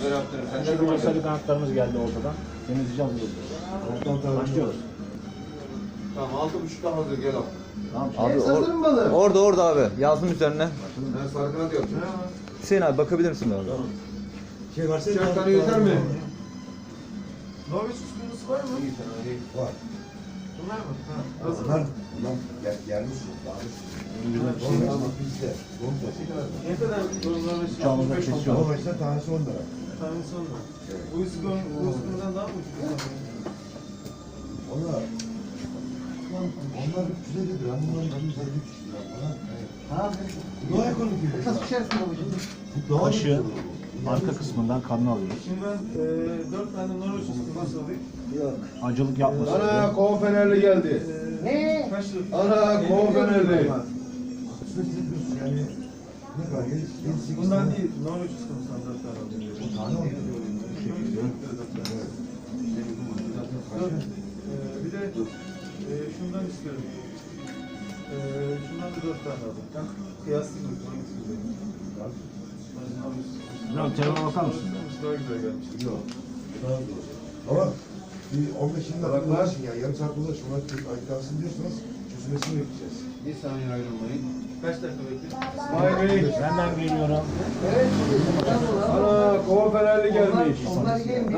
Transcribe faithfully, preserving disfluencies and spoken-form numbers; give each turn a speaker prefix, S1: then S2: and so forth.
S1: Böyle yaptırırım. Sen
S2: Şimdi
S1: şöyle
S2: sarı kanatlarımız geldi ortadan. Temizleyeceğiz bunu. Başlıyoruz.
S1: Tamam, altı buçukta hazır, gel al.
S2: Tamam.
S3: Abi
S1: Hepsi hazır mı balığı?
S3: orada orada abi. Yazdım üzerine.
S1: Ben sarı kanat yapacağım.
S3: Hüseyin abi bakabilir misin abi?
S4: Şey varsa
S1: Üçer tane yeter mi?
S5: Norveç usulüsü var mı?
S1: İyi tane değil.
S4: var.
S5: Bunlar mı? Ha, hazır.
S4: Bunlar bunlar gel, gelmiş yok. Norveç ama bizde. Donmaz.
S5: Ne kadar Norveç?
S2: Uçağımızda kesiyor.
S4: Norveç'te tanesi on lira.
S5: Tanesi onda. Bu üskün, bu üskünden daha mı ucuz?
S4: Onlar onlar üç yüz elli lira. Bunlar iki yüz elli lira falan.
S6: Ha,
S4: Daha ekonomik.
S6: nasıl pişersin babacığım?
S4: Daha
S2: Başı
S4: ucuz.
S2: arka kısmından kanını alıyoruz.
S5: Şimdi ben e, dört tane Norveç usküması alayım.
S2: Acılık yapmasın
S1: Ana,
S2: diye.
S1: kova fenerli geldi.
S5: E,
S6: Ne?
S5: Kaç lira?
S1: Ana, kova fenerli.
S4: Yani ne kadar? Yedi, yedi, sekiz
S5: Bundan
S4: tane.
S5: değil, Norveç uskümasından dört tane alayım.
S4: O tane oldu.
S5: Evet. Dört. E, bir de e, şundan istiyorum. E, şundan da dört tane alayım. Kıyaslayayım mı? Hangisi güzel?
S2: Biraz telefona bakar mısın?
S5: Daha güzel gelmiş.
S4: Yok. Daha zor. Ama bir on beş yirmi dakika uğraşın ya. Yarım saat uğraşın. Ona ayıklansın diyorsanız çözülmesini bekleyeceğiz.
S1: Bir saniye ayrılmayın.
S5: Kaç dakika bekliyorsun?
S1: İsmail Bey.
S2: Benden geliyorum.
S6: Evet.
S1: Ana, kova fenerli gelmiş.
S6: Onlar gelmiş.